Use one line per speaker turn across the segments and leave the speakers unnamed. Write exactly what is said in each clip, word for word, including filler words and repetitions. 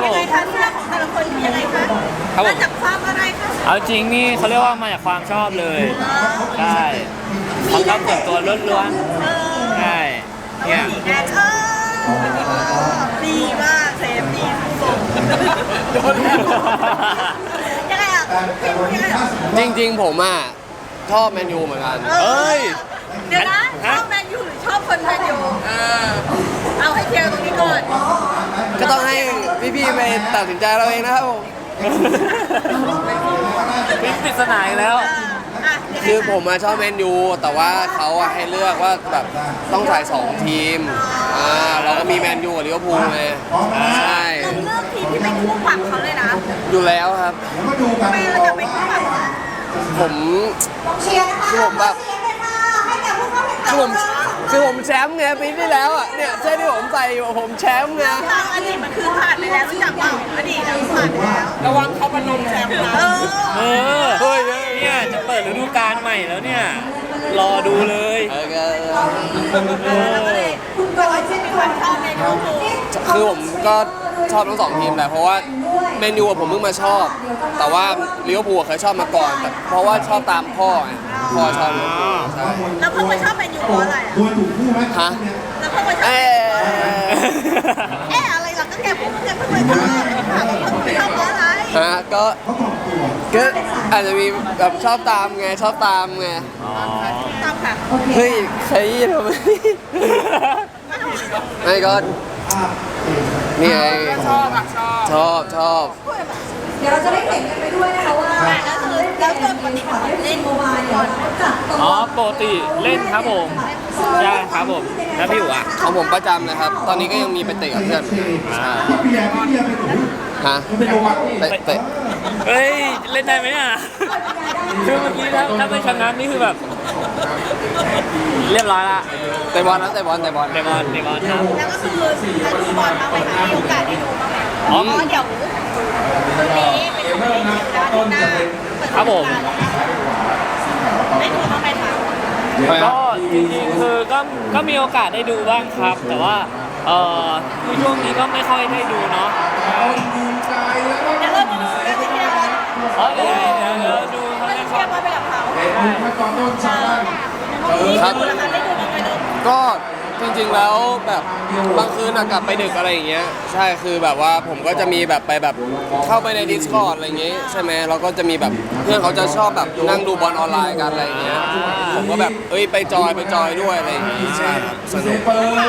ยังไงคะเสื้อของแต่ละคนยังไงคะมาจากความอะไรคะ
เอาจริงนี่เขาเรียกว่ามาจากความชอบเลยใช่ความชอบส่วนตัวล้วนๆใช่เนี่ย
แอนเออดีมากเซฟดีสุดโดนยังไงอ่ะยังไงอ่ะ
จริงๆผมอ่ะชอบแมนยูเหมือนกัน
เอ้ย
เดี๋ยวนะชอบแมนยูหรือชอบคนแมนยูเอาให้เคลียร์ตรงนี้ก่อน
ก็ต้องให้พี่ๆไปตัดสินใจเราเองนะครับผม
พิมพ์ปริศนาอีกแล้ว
คือผมมาชอบแมนยูแต่ว่าเขาอะให้เลือกว่าแบบต้องใส่สองทีมอ่าเราก็มีแมนยูกับลิเวอร์พูลไงใช่
เราเลือกทีมที่เป็นคู่ปรับเขาเลยนะ
อยู่แล้วครับ
ทำไมเราจะเป็นคู่ปรับ
ผมคือผมแบบคือผมคือผมแชมป์ไงปีที่แล้วอ่ะเนี่ยเสื้อที่ผมใส่อยู่ผมแชมป์ไง
อดีตมันคือผ่านไปแล้วรู้จักเปล่าอดีตเราผ่านไปแล้วระวังเขาพนมแชมป์นะ
เออเฮ้ยเนี่ยจะเปิดฤดูกาลใหม่แล้วเนี่ยรอดูเลย
เออ
คุณบอยเช่นมีความชอบในลิเวอร์พูล
คือผมก็ชอบทั้งสองทีมแหละเพราะว่าแมนยูผมเพิ่งมาชอบแต่ว่าลิเวอร์พูลเคยชอบมาก่อนแต่เพราะว่าชอบตามพ่อไงพ่อชอบลิเวอร์พูลใช่
แล้วเพิ่งมาชอบแมนยูเพราะอะไรอ่ะ
ฮะ
แล้วเพิ่งมาชอบเอ๊เอ๊อะไรหรอก็แกพูดแกเพิ่งมาชอบเพิ่งมาชอบเพราะอะไร
ฮะก็ก็อาจจะมีแบบชอบตามไงชอบตามไง
ตามค่ะ
เฮ้ยใครทำไมไม่ก็นี่ไง
ชอบอ่ะ
ชอบชอบ
เดี๋ยวเราจะได้เห็นกันไปด้วยนะคะว่า
แล้วคือแล้วตัวปกติเล่นโมบายก่อน
อ๋อปกติเล่นครับผมใช่ครับผมแล้วพี่อยู่อ่ะ
ของผมประจำนะครับตอนนี้ก็ยังมีไปเตะกับเพื่อนฮะเตะเตะ
เฮ้ยเล่นได้ไหมอ่ะคือเมื่อกี้ถ้าถ้าไม่ชนะนี่คือแบบเรียบร้อยละ
เตะบอลนะเตะบอลเตะบอล
เตะบอลเตะบอลครับ
แล้วก็คือจะดูบอลบ้างไหมคะมีโอกาสได้ดูบ้างไหมอ๋อเดี๋ยวคืนนี้เป็นวันนี้ด้านหน้า
ครับผม
ได้ดูบ้างไหมคะ
ก็จริงๆคือก็ก็มีโอกาสได้ดูบ้างครับ แต่ว่าเอ่อคือช่วงนี้ก็ไม่ค่อยได้ดูเนาะ
เดี๋ยวเราจะดูเรื่องเชียร์บอล
อ๋อเดี๋ยวเดี๋ยวเราดูเขา
เชียร์บอลไปกับเขา
ครับก็จริงๆแล้วแบบบางคืนกลับไปดึกอะไรอย่างเงี้ยใช่คือแบบว่าผมก็จะมีแบบไปแบบเข้าไปใน Discord อะไรอย่างเงี้ยใช่ไหมเราก็จะมีแบบเพื่อนเขาจะชอบแบบนั่งดูบอลออนไลน์กันอะไรอย่างเงี้ยผมก็แบบเอ้ยไปจอยไปจอยด้วยอะไรอย่างงี้ใช่ครับสนุก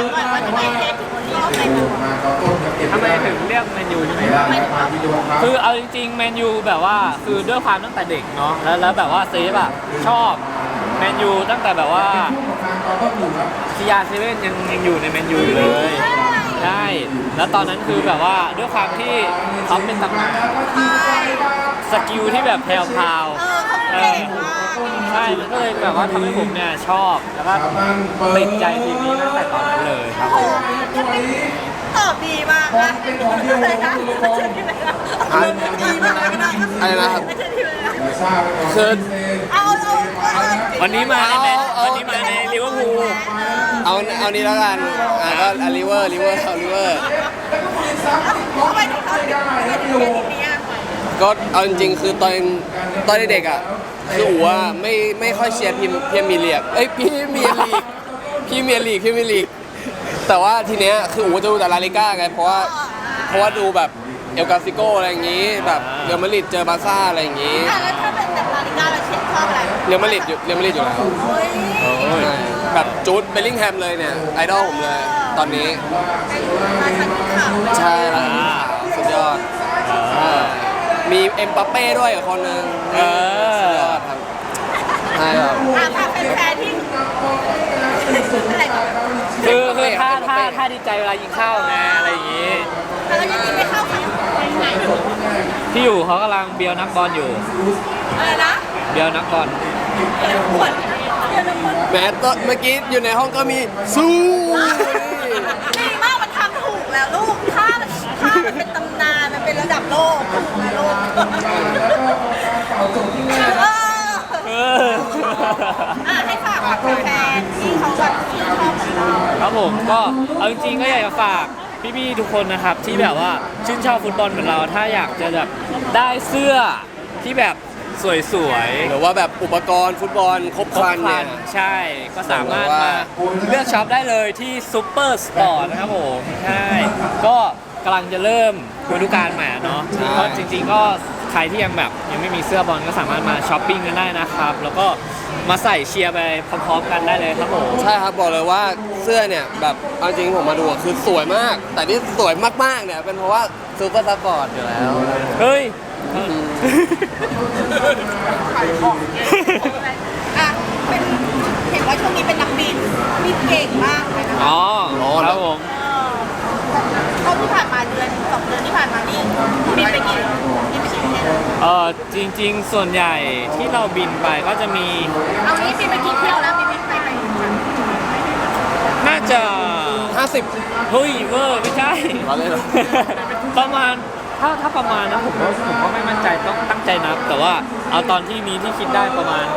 ทำไมถึงเรียกแมนยูใช่ไหมคือเอาจริงๆแมนยูแบบว่าคือด้วยความตั้งแต่เด็กเนาะแล้วแล้วแบบว่าเซฟอะชอบแมนยูตั้งแต่แบบว่าซีอาร์เซเว่นยังยังอยู่ในแมนยูอยู่เลยใช่แล้วตอนนั้นคือแบบว่าด้วยความที่เขาเป็นตำนานสกิลที่แบบแพรวๆใช่มันก็เลยแบบว่าทำให้ผมเนี่ยชอบแล้วก็ติดใจทีมนี้ตั้งแต่ตอนนั้นเลยครับ
ตอบดีมากนะอะไรนะดีมากนะ
อะไรนะครับคือ
เอาเอา
วันนี้มาในวันนี้มาในลิเวอร์พูล
เอาเอานี้แล้วกันอ่าก็ลิเวอร์ลิเวอร์เอาลิเวอร์
ทำไมถึงเขาถึงเชียร์ทีมนี้อ่ะ
ก็เอาจริงๆคือตอนตอนเด็กๆอ่ะคืออู๋ว่าไม่ไม่ค่อยเชียร์ทีมพรีเมียร์ลีกเอ้ยพรีเมียร์ลีกพรีเมียร์ลีกพรีเมียร์ลีกแต่ว่าทีเนี้ยคืออู๋จะดูแต่ลาลิก้าไงเพราะว่าเพราะว่าดูแบบเอลกาซิโกอะไรอย่างงี้แบบเรอัลมาดริดเจอบาร์ซ่าอะไรอย่างงี้
แล้วถ้าเป็นแบบลาลิก้าเราเชียร์ชอบอะไร
เรอัลมาดริดอยู่เรอัลมาดริดอยู่แล้วแบบจูดเบลลิงแฮมเลยเนี่ยไอดอลผมเลยตอนนี้ใช่แล้วสุดยอดมีเอ็มบัปเป้ด้วยอีกคนนึงสุดยอดครับใช่ครับ
ถ้าเป็นแฟนที่
คือคือถ้าถ้าถ้าดีใจเวลายิงเข้าไงอะไรอย่างงี้
แล้วยังยิงไม่เข้าค่ะ
ที่อยู่เขากำลังเบียวนักบอลอยู่
อะไรนะ
เบียวนักบอล
แม้ตอนเมื่อกี้อยู่ในห้องก็มีสู้
ดีมากมันทำถูกแล้วลูกถ้ามันถ้ามันเป็นตำนานมันเป็นระดับโลกถูกนะลูก
เออ
ให้ฝากแฟนที่เขาแบบที่ชอบของเรา
ครับผมก็เอาจริงๆก็อยากจะฝากพี่ๆทุกคนนะครับที่แบบว่าชื่นชอบฟุตบอลเหมือนเราถ้าอยากจะแบบได้เสื้อที่แบบสวยๆ
หรือว่าแบบอุปกรณ์ฟุตบอลครบครันเนี่ย
ใช่ก็สามารถมาเลือกช็อปได้เลยที่ซูเปอร์สปอร์ตนะครับผมใช่ก็กำลังจะเริ่มฤดูกาลใหม่เนาะ
ใช่
ก็จริงๆก็ใครที่ยังแบบยังไม่มีเสื้อบอลก็สามารถมาช้อปปิ้งกันได้นะครับ แล้วก็มาใส่เชียร์ไปพร้อมๆกันได้เลยครับผม
ใช่ครับบอกเลยว่าเสื้อเนี่ยแบบเอาจริงผมมาดูอะคือสวยมาก แต่ที่สวยมากๆเนี่ยเป็นเพราะว่าซูเปอร์ซัพพอร์ตอยู่แล้ว
เฮ้ย
อ่ะเป็นเห็นว่าช่วงนี้เป็นนักบินบินเก่งมากเลยนะ
อ๋อ
อ๋อ
ครับผม
เออเท่าที่ผ่านมาเดือนสองเดือนที่ผ่านมานี่บินไปกี่บินไปกี่ประเทศแล้ว
เออจริงๆ ส่วนใหญ่ที่เราบินไปก็จะมี
เอานี้บินไปกี่เที่ยวแล้วบินไปไปไป
น่าจะ
ห้าสิบ
เฮ้ยเวอร์ไม่ใช่
เราเล่นเหรอ
ประมาณถ้าถ้าประมาณนะผมก็ผมก็ไม่มั่นใจต้องตั้งใจนับ แต่ว่าเอาตอนที่นี้ที่คิดได้ประมาณ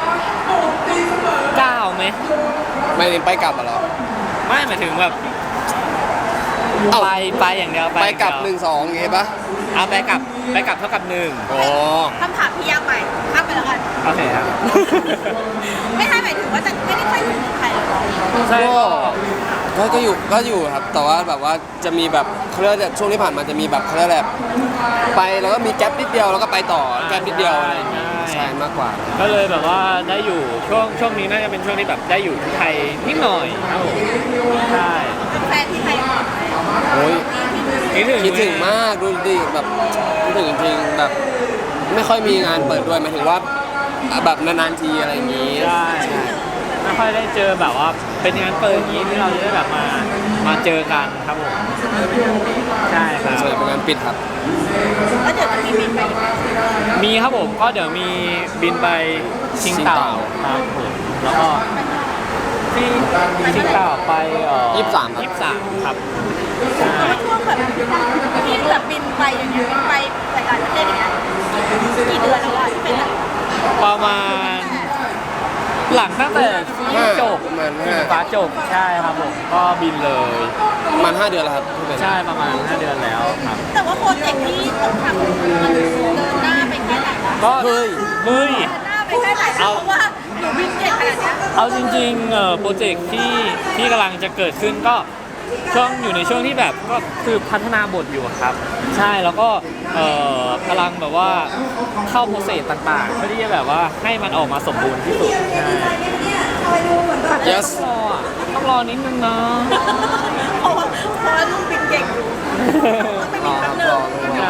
เก้าไหม
ไม่ได้ไปกลับอะเหรอ
ไม่หมายถึงแบบ
เอ้า
ไปไปอย่างเดียว
ไปกลับ
อย่าง
ห
เดียว
นึ่งสองอย่างงี้ปะ
เอาไปกลับไปกลับเท่ากับหนึ่ง
อ๋อ
คำถามพี่ยากไปข้ามไปแล้วกัน
โอเคครับ
ไม่ใช่หมายถึงว่าจะไม่ได้ค่อยอยู่เมืองไทยหรอก
ใช่
ก็ก็อยู่ก็อยู่ครับ แต่ว่าแบบว่าจะมีแบบเขาเรียกว่าช่วงที่ผ่านมาจะมีแบบเขาเรียกอะไรแบบไปแล้วก็มีแก๊ปนิดเดียวแล้วก็ไปต่อแก๊ปนิดเดียวอะไรอย่างเงี้ยใช่มากกว่า
ก็เลยแบบว่าได้อยู่ช่วงช่วงนี้น่าจะเป็นช่วงที่แบบได้อยู่ที่ไทยนิดหน่อยครับผมใช่
แฟนที่ไทย
โอ้ย
คิดถึง
คิดถึงมากดูดิแบบคิดถึงจริงๆแบบไม่ค่อยมีงานเปิดด้วยหมายถึงว่าแบบนานๆทีอะไรอย่างงี้
ใช่ไม่ค่อยได้เจอแบบว่าเป็นงานเปิดอย่างนี้ที่เราจะได้แบบมามาเจอกันครับผมใช่ครับ
ส่วนใหญ่เป็นงานปิดครับ
แล้วเดี๋ยวจะมีบินไปอีกไหม
มีครับผมก็เดี๋ยวมีบินไปชิงเต่าครับผมแล้วก็ที่ชิงเต่าไปเอ่อ
ยี่สิบสามครับ
ยี่สิบสามครับใช่
ช่วงแบบที่แบบบินไปอย่างเงี้ยบินไปหลายๆประเทศอย่างเงี้ยกี่เดือนแล้วอะที่เป็นแบบ
ประมาณหลังตั้งแต่ที่จบ
ประมาณ
ที่
ห้า
ฟ้าจบใช่ครับผมก็บินเลย
ประมาณห้าเดือนแล้วครับที่เป็น
ใช่ประมาณห้าเดือนแล้วครับ
แต่ว่าโปรเจกต์ที่ต้องทำมันเดินหน้าไปแค่ไหนวะ
ก็
เฮ้ย
เฮ้ย
เดินหน้าไปแค่ไหนแล้วเพราะว่าหนูบินเก่งขนาดเนี้ย
เอาจริงๆเอ่อโปรเจกต์ที่ที่กำลังจะเกิดขึ้นก็ช่วงอยู่ในช่วงที่แบบก็คือพัฒนาบทอยู่ครับ ใช่แล้วก็เอ่อกำลังแบบว่าเข้าโปรเซสต่างๆเพื่อที่จะแบบว่าให้มันออกมาสมบูรณ์ที่สุดใช่
yes
ต้องรออ่ะต้องรอนิดนึงนะ
เพราะว่าเพราะว่าลูกบินเก่งอยู่ต้องไปบินแป๊บนึง
ใช่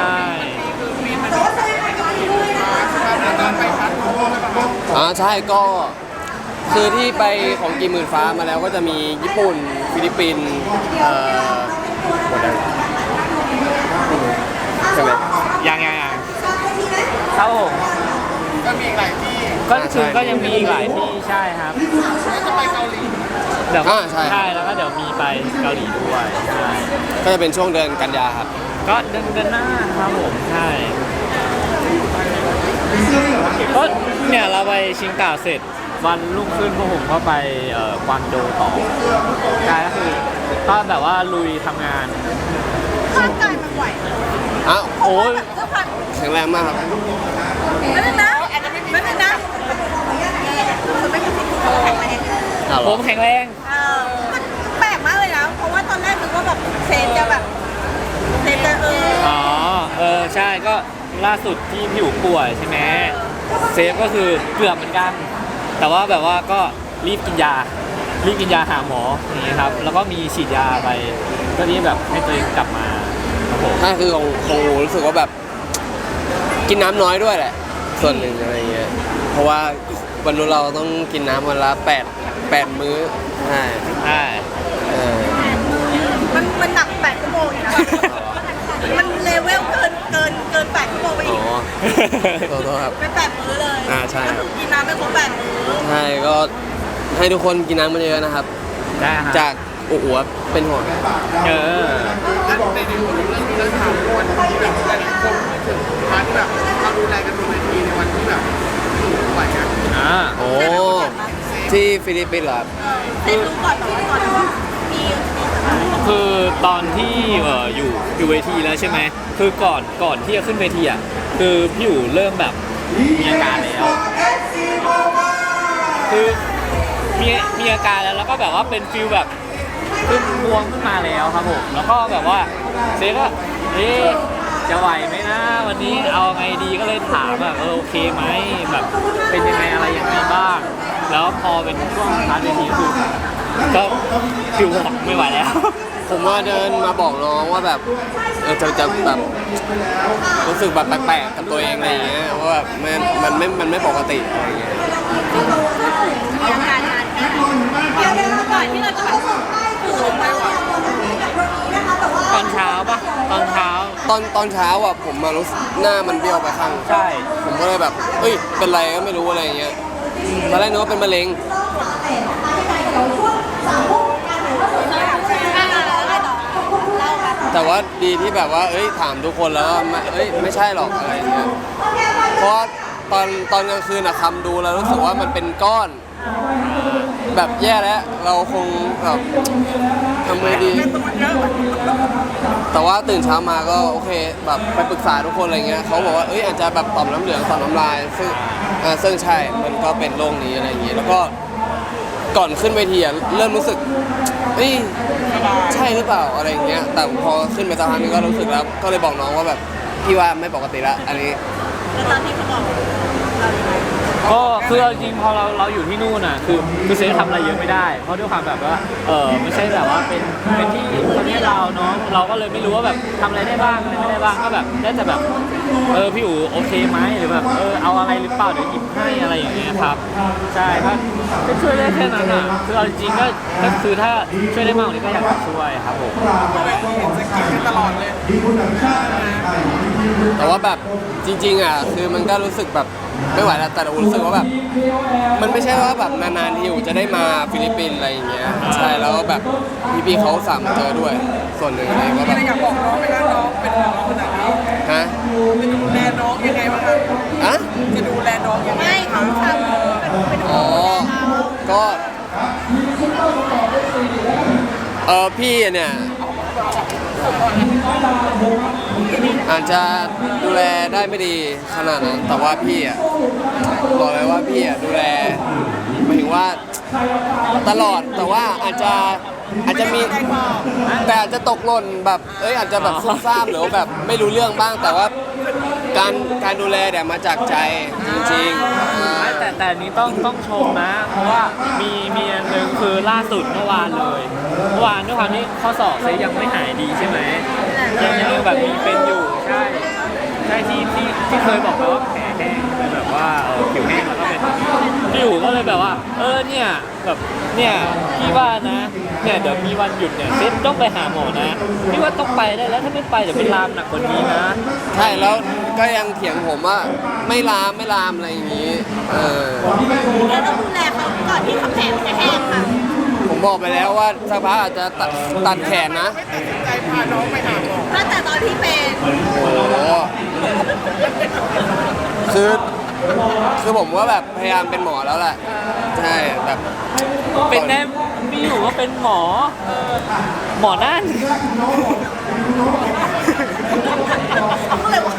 อ่าใช่ก็คือที่ไปของกี่หมื่นฟ้ามาแล้วก็จะมีญี่ปุ่นฟิลิปปินส์เอ่อหมดแล้วใช่ไหม
ยังยังยังครับผมก็มีอีกหลายที่ก็คือก็ยังมีอีกหลายที่ใช่ครับจะไปเกาหลีเดี๋ยว
อ่าใช่
ใช่แล้วก็เดี๋ยวมีไปเกาหลีด้วยใช่
ก็จะเป็นช่วงเดือนกันยาครับ
ก็เดือนเดือนหน้าครับผมใช่ก็เนี่ยเราไปชิงเต่าเสร็จวันรุ่งขึ้นพวกผมก็ไปเอ่อกวางโจวต่อใช่ก็คือก็แบบว่าลุยทำงาน
ร่างกายมันไหว
อ้าว
โอ้ย
เพื่อพัน
แข็งแรงมากครับ
ไม่เป็นนะไม่เป็นนะคือไม่มีสิทธิ์แข่งมาเอง
อ้าวเหร
ผ
อ
มแข็งแรง
เออมันแปลกมากเลยนะ เพราะว่าตอนแรกนึกว่าแบบเซนจะแบบเซนจะเออ
อ๋อเออใช่ก็ล่าสุดที่พี่อยู่ป่วยใช่ไหมเซฟก็คือเกือบเหมือนกัน แต่ว่าแบบว่าก็รีบกินยา รีบกินยาหาหมออย่างนี้ครับ แล้วก็มีฉีดยาไปก็รีบแบบให้ตัวเองกลับมาครับผม
ถ้าคือของของหนูรู้สึกว่าแบบกินน้ำน้อยด้วยแหละ ส่วนหนึ่งอะไรเงี้ยเพราะว่าวันนู้นเราต้องกินน้ำวันละแปดแปดมื้อใช่
ใช่
เออ
มันมันหนักแปดชั่วโมงอยู่นะมันเลเวลเกินเกินเกินแปดชั่วโมงไป
อ๋
อี
อก ขอโทษครับ
เป็นแปดมื้อเลย
อ่าใช่ครับ
กินน้ำไม่ครบแปดมื้อ
ใช่ก็ให้ทุกคนกินน้ำมาเยอะนะครับ
ได้ครับ
จากอุ๋วเป็นห่วง
เออ
ในในส่วนเรื่องนี้เรื่องถามวันที่แบบหลายๆคนพูดถึงพาร์ทที่แบบเราดูแลกันบนเวทีในวันที่แบบไหวอะ
อ่า
โอ้ที่ฟิลิปปินส์เหรอครับ
เซนรู้ก่อนแบบว่าก่อนว่ามีมีสถาน
คือตอนที่เอ่ออยู่อยู่เวทีแล้วใช่ไหมคือก่อนก่อนที่จะขึ้นเวทีอ่ะคือพี่อยู่เริ่มแบบมีอาการแล้วคือมีมีอาการแล้วแล้วก็แบบว่าเป็นฟิลแบบขึ้นบวมขึ้นมาแล้วครับผมแล้วก็แบบว่าเซก็เอ๊ะจะไหวไหมนะวันนี้เอาไงดีก็เลยถามแบบเออโอเคไหมแบบเป็นยังไงอะไรยังไงบ้างแล้วพอเป็นช่วงพาร์ทเวทีก็คือก็ฟิลบอกไม่ไหวแล้ว
ผมว่าเดินมาบอกน้องว่าแบบเออจะจะแบบรู้สึกแบบแปลกๆกับตัวเองอะไรอย่างเงี้ยว่าแบบมันมันไม่มันไม่ปกติอะไรอย่างเงี้ย
มีอาการนานแค่ไหนเดี๋ยวเดี๋ยวก่อนที่เราจะแบบคือลงไปว่ะ
ตอนเช้าปะตอนเช้า
ตอนตอนเช้าอ่ะผมมารู้สึกหน้ามันเบี้ยวไปข้าง
ใช่
ผมก็เลยแบบเอ้ยเป็นไรก็ไม่รู้อะไรอย่างเงี้ยตอนแรกนึกว่าเป็นมะเร็ง แต่ว่าดีที่แบบว่า เอ้ย ถามทุกคนแล้วว่าไม่เอ้ย ไม่ใช่หรอกอะไรเงี้ย เพราะว่าตอนตอนกลางคืนอะคำดูแล้วรู้สึกว่ามันเป็นก้อน แบบแย่แล้ว เราคงแบบทำไงดี แต่ว่าตื่นเช้ามาก็โอเคแบบไปปรึกษาทุกคนอะไรเงี้ยเขาบอกว่า เอ้ย อาจจะแบบต่อมน้ำเหลืองต่อมน้ำลาย ซึ่งอ่าซึ่งใช่ มันก็เป็นโรคนี้อะไรอย่างเงี้ย แล้วก็ก่อนขึ้นเวทีอะเริ่มรู้สึกเอ้ยใช่หรือเปล่าอะไรอย่างเงี้ย แต่พอขึ้นไปสักพักนึงก็รู้สึกแล้ว ก็เลยบอกน้องว่าแบบพี่ว่าไม่ปกติละอันนี้
แล้วตอนที่เขาบอกเรายังไง
ก็คือเอาจริงพอเราเราอยู่ที่นู่นน่ะคือคือเซฟทำอะไรเยอะไม่ได้เพราะด้วยความแบบว่าเออไม่ใช่แบบว่าเป็นเป็นที่ประเทศเราเนาะเราก็เลยไม่รู้ว่าแบบทำอะไรได้บ้างอะไรไม่ได้บ้างก็แบบได้แต่แบบเออพี่อู๋โอเคไหมหรือแบบเออเอาอะไรหรือเปล่าเดี๋ยวหยิบให้อะไรอย่างเงี้ยครับใช่ก็ก็ช่วยได้แค่นั้นอ่ะคือเอาจริงๆก็ก็คือถ้าช่วยได้มากกว่านี้ก็อยากจะช่วยครับผม
จะกินกันตลอดเลย
แต่ว่าแบบจริงๆอ่ะคือมันก็รู้สึกแบบไม่ไหวแล้วแต่เรารู้สึกว่าแบบมันไม่ใช่ว่าแบบนานๆที่อยู่จะได้มาฟิลิปปินส์อะไรอย่างเงี้ยใช่แล้วก็แบบพี่ๆเขาสามมาเจอด้วย ส่วนหนึ่งอะไรก็แบบ
ไม่อยากบอกน้องไหมคะน้องเป็นน้องขนาดนี้
ฮะ
จะดูแลน้องยังไงบ้างครับ
อะ
จะดูแลน้องยังไง
ไม่เขาทำเป็น
อ๋อก็เออพี่เนี่ยอาจจะดูแลได้ไม่ดีขนาดนั้น แต่ว่าพี่อ่ะบอกเลยว่าพี่อ่ะดูแลหมายถึงว่าตลอดแต่ว่าอาจจะอาจจะมีแต่อาจจะตกหล่นแบบเอ้ยอาจจะแบบซุ่มซ่ามหรือว่าแบบไม่รู้เรื่องบ้าง แต่ว่าการการดูแลเนี่ยมาจากใจจริงๆอ่า
แต่แต่อันนี้ต้องต้องชมนะ เพราะว่ามีมีอันหนึ่งคือล่าสุดเมื่อวานเลยเมื่อวานด้วยความที่ข้อศอกเซยังไม่หายดีใช่ไหมยังยังแบบมีเป็นอยู่ใช่ใช่ที่ที่ที่เคยบอกไปว่าแผลแห้งเป็นแบบว่าเออผิวแห้งแล้วก็เป็นพี่อยู่ก็เลยแบบว่า เออเนี่ยแบบเนี่ยพี่ว่านะเนี่ยเดี๋ยวมีวันหยุดเนี่ยเซฟต้องไปหาหมอนะพี่ว่าต้องไปได้แล้วถ้าไม่ไปเดี๋ยวเป็นลามหนักกว่านี้นะ
ใช่แล้วก็ยังเถียงผมว่าไม่ลามไม่ลามอะไรอย่างนี้เออ
แล้วต้องดูแลเขาก่อนที่เขาแผลจะแห้งค่ะ
ผมบอกไปแล้วว่าสักพักอาจจะตัดตัดแขนนะ
ไม่ตัดสินใจพาน้องไปหาหมอ
ตั้งแต่ตอนที่เป็น
โอ้โหคือคือผมก็แบบพยายามเป็นหมอแล้วแหละใช่แบบ
เป็นแน่พี่อยู่ก็เป็นหมอหมอนั่น
เขาก็เลยว่า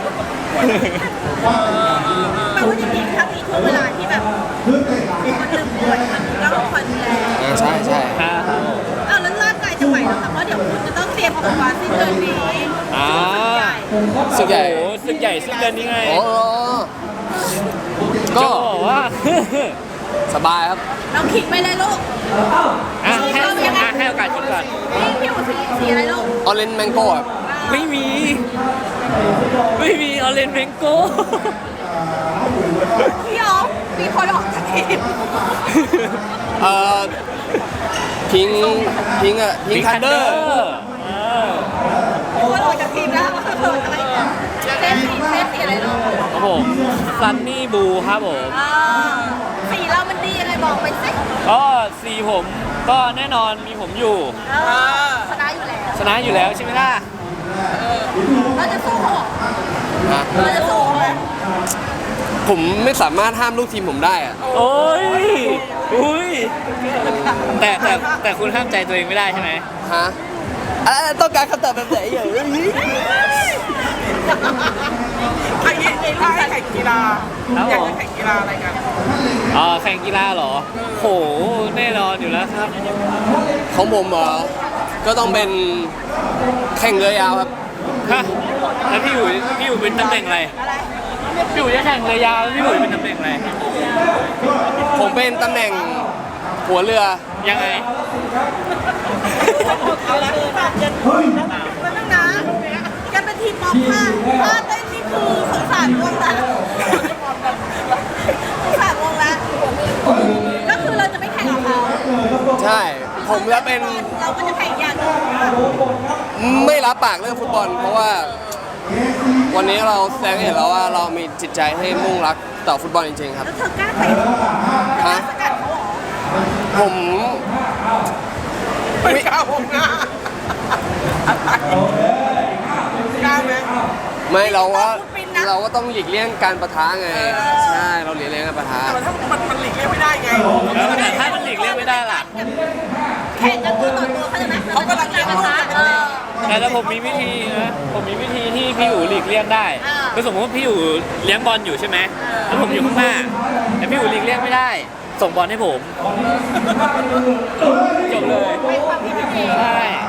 แปลว่าจริงๆถ้ามีช่วงเวลาที่แบบมันลืมป่วยมันต้องคอยดูแล
อ่าใช่ใช่
ครับ
อ้าวแล้วร่างกายจะไหวเหรอคะเพราะเดี๋ยวคุณจะต้องเตรียมตัวสิ้นเดือนนี้
อ่า
สึกใหญ่
โอ้โหสึกใหญ่สึกเดือนนี้ไง
โอ้โห
ก็
ก็
บอกว่า
สบายครับ
เราขิงไปเลยลูก
อ่ะให้อ่ะให้โอกาสคิดก่อน
นี่พี่หัวสีสีอะไรลูก
ออเรนจ์แมงโก้ครับ
ไม่มี ไม่มีออเรนเมงโก้
พี่อ๋อมีคนออกจากทีม
เอ่อพิงพิงอะพิงคันเดอร์
มีคนออกจากทีมแล้วว่าเกิดอะไรเนี่ยเซฟสีเซฟสีอะไรลูก
ครับผมซันนี่บูครับผม
อ่าสีเรามันดียังไงบอกไปสิ
ก็สีผมก็แน่นอนมีผมอยู่
เออชนะอยู่แล้ว
ชนะอยู่แล้วใช่ไหมล่ะ
เราจะสู้เขาเหรอ
ฮะ
เราจะสู้เขาไหม
ผมไม่สามารถห้ามลูกทีมผมได้อะ
โอ้ยอุ้ยแต่แต่แต่คุณห้ามใจตัวเองไม่ได้ใช่ไหม
ฮะอ่ะต้องการคำตอบแบบไหนอย่างนี้
อันนี้ถ้าให้แข่งกีฬา
ครับ
อยาก
ผม
จะแข่งกีฬาอะไรกัน
อ่าแข่งกีฬาเหรอโหแน่นอนอยู่แล้วครับ
ของผมเหรอก็ต้องเป็นแข่งเรือยาวครับ
ฮะแล้วพี่อยู่พี่อยู่เป็นตำแหน่งอะไรพี่อยู่จะแข่งเรือยาวแล้วพี่อยู่เป็นตำแหน่งอะไร
ผมเป็นตำแหน่งหัวเรือ
ยังไง
เอาละคือแบบจะมันต้องนะแกเป็นทีมป๊อปค่ะถ้าเต้นนี่คือสงสารวงละสงสารวงละก็คือเราจะไม่แข่งกับเขา
ใช่ผมจะเป็น
เราก็จะแข่งอย่างอื่น
ไม่รับปากเรื่องฟุตบอล เพราะว่าวันนี้เราแสดงให้เห็นแล้วว่าเรามีจิตใจให้มุ่งรักต่อฟุตบอลจริงๆครับ
แล้วเธอกล้าเตะเหรอเธอกล้าสกัดเขาเหรอ
ผม
ไม่กล้าวงหน้าอะไรกล้าไหม
ไม่เราว่าเราก็ต้องหลีกเลี่ยงการประทะไงใช่เราหลีกเลี่ยงการประทะ
แต่ถ้ามันมันหลีกเลี่ยงไม่ได้ไง
แล้วแต่ถ้ามันหลีกเลี่ยงไม่ได้ล่ะ
แข่งกันตัวต่อตัวเขาใจไหม
เขากำลังเลี้ยงลูกกัน
เออ
แต่ถ้าผมมีวิธีนะผมมีวิธีที่พี่อยู่หลีกเลี่ยงได้
อ่า
คือสมมติว่าพี่อยู่เลี้ยงบอลอยู่ใช่ไหมแล้วผมอยู่ข้างหน้าแต่พี่อยู่หลีกเลี่ยงไม่ได้ ส่งบอลให้ผมจบเลย
เป็นความคิดที่ดี
ใช่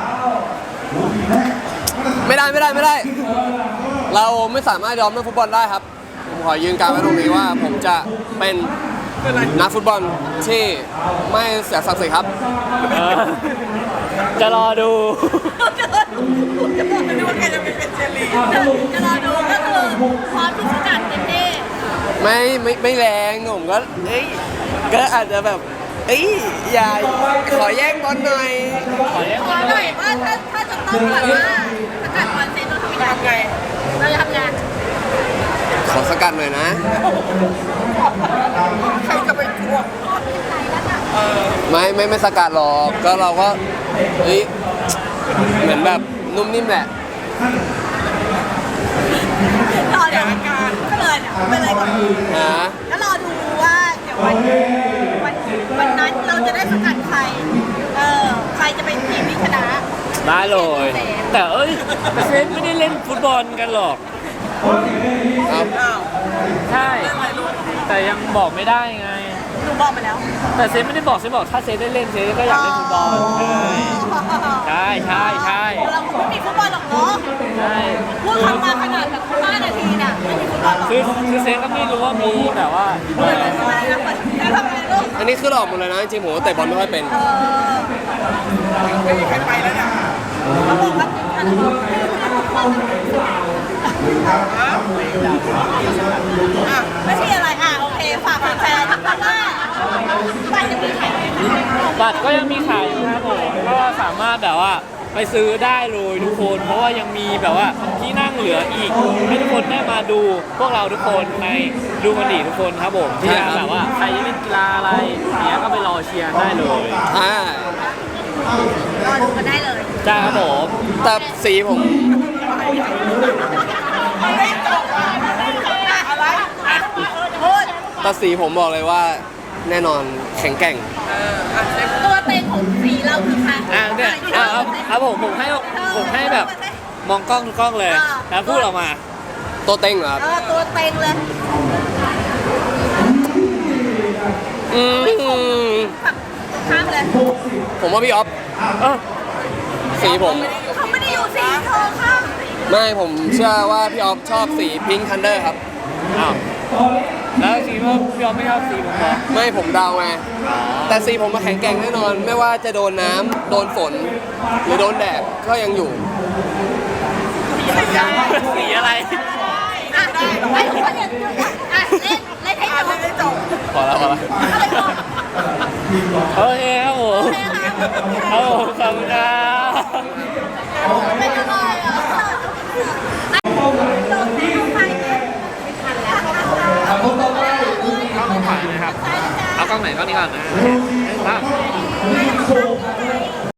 ไม่ได้ไม่ได้ไม่ได้ เราไม่สามารถยอมเรื่องฟุตบอลได้ครับ ผมขอยืนการไว้ตรงนี้ว่าผมจะเป็นนักฟุตบอลที่ไม่เสียศักดิ์ศรีครับ
เออจะรอดู
นึกว่าแกจะไปเป็นเจลี
จะรอดูก็คือพร้อมที่สกัดเต็มที่
ไม่ไม่ไม่แรงผมก็เอ้ยก็อาจจะแบบเอ้ยอย่าขอแย่งบอลหน่อย
ขอเลี้ยง
ข
บอ
อ
ล
ห
ห
น่
น่
อ
อย ย
ว่าถ้าถ้าจะต้องแบบว่าสกัดบอลเซนเราทำยังไง
ทำไง
เราจะทำงาน
ขอสกัดหน่อยนะ
ใครจะไปทวง
ไม่ไม่ไม่สกัดหรอกก็เราก็เฮ้ยเหมือนแบบนุ่มนิ่มแหละ
รอเดี๋ยวการก็เลยเนี่ยไปเลยก่อน
นะ
แล้วรอดูว่าเดี๋ยววันวันวันนั้นเราจะได้สกัดใครเออใครจะเป็นทีมที่ชนะ
ได้เลย แต่เอ้ยแต่เซนไม่ได้เล่นฟุตบอลกันหรอก
ครับ
อ้าว
ใช่ แต่ยังบอกไม่ได้ไง
หนูบอกไปแล้ว
แต่เซนไม่ได้บอกเซนบอกถ้าเซนได้เล่นเซนก็อยากเล่นฟุตบอลใช่ใช่ใช่
เราคงไม่มีฟุตบอลหรอกเนาะ
ใช่
พูดคำมาขนาดแบบห้านาทีน่ะไม่มีฟุตบอลหรอก
คือคือเซนก็ไม่รู้ว่ามีแบบว่า
เปิดเลยทำไมนะเปิดแล้วทำไมลูก
อันนี้คือหลอกหมดเลยนะจริงๆผมก็เตะบอลไม่ค่อยเป็น
เออ
ไม่มีใครไปแล้วเนี่ย
เขาบอกว่าอันนั้นไม่ใช่อะไรอ่ะโอเคฝากแฟนๆเพราะว่าไปจะมีแข่ง
บัตรก็ยังมีขายอยู่ครับผมก็สามารถแบบว่าไปซื้อได้เลยทุกคน เพราะว่ายังมีแบบว่าที่นั่งเหลืออีกให้ทุกคนได้มาดูพวกเราทุกคนในดูมันดีทุกคนครับผมที่จะแบบว่าใครจะเล่นกีฬาอะไรเนี้ยก็ไปรอเชียร์ได้เลย
อ่าร
อดูกันได้เลย
จ้าครับผม
แต่สีผม
ไม่จบอ่ะอะไร
พูด
แต่สีผมบอกเลยว่าแน่นอนแข็งแกร่ง
เอออ่ะเซฟ
ตัวเต็งของสีเราคือใคร
อ่ะเนี่ยเอาเอาเอาผมผมให้ผมให้แบบมองกล้องทุกกล้องเลยแล้วพูดออกมา
ตัวเต็งเหรอครับ
เออตัวเต็งเลย
อืม
ข้ามเลย
ผมว่าพี่ออฟ
เออ
สีผม
เขาไม่ได้อยู่สีเธอข้าม
ไม่ผมเชื่อว่าพี่ออฟชอบสีพิงค์ทันเดอร์ครับ
อ้าวแล้วสีว่าพี่ออมไม่ชอบสีผมเหรอ
ไม่ผมเดาไงแต่สีผมมาแข็งแกร่งแน่นอน ไม่ว่าจะโดนน้ำโดนฝน หรือโดนแดดก็ยังอยู่
สีอะไร
อ่ะให้ทุกคนอย่างอ่ะเล่นเล่นให้จบ
ไม่ได้จบ
พอแล้วพอแล้วโอเคครับผมครับผมขอบคุณครับ
ไม่เป็นไรอ่ะ
เอากล้องถ่ายนะครับ เอากล้องไหนกล้องนี้ก่อนนะครับ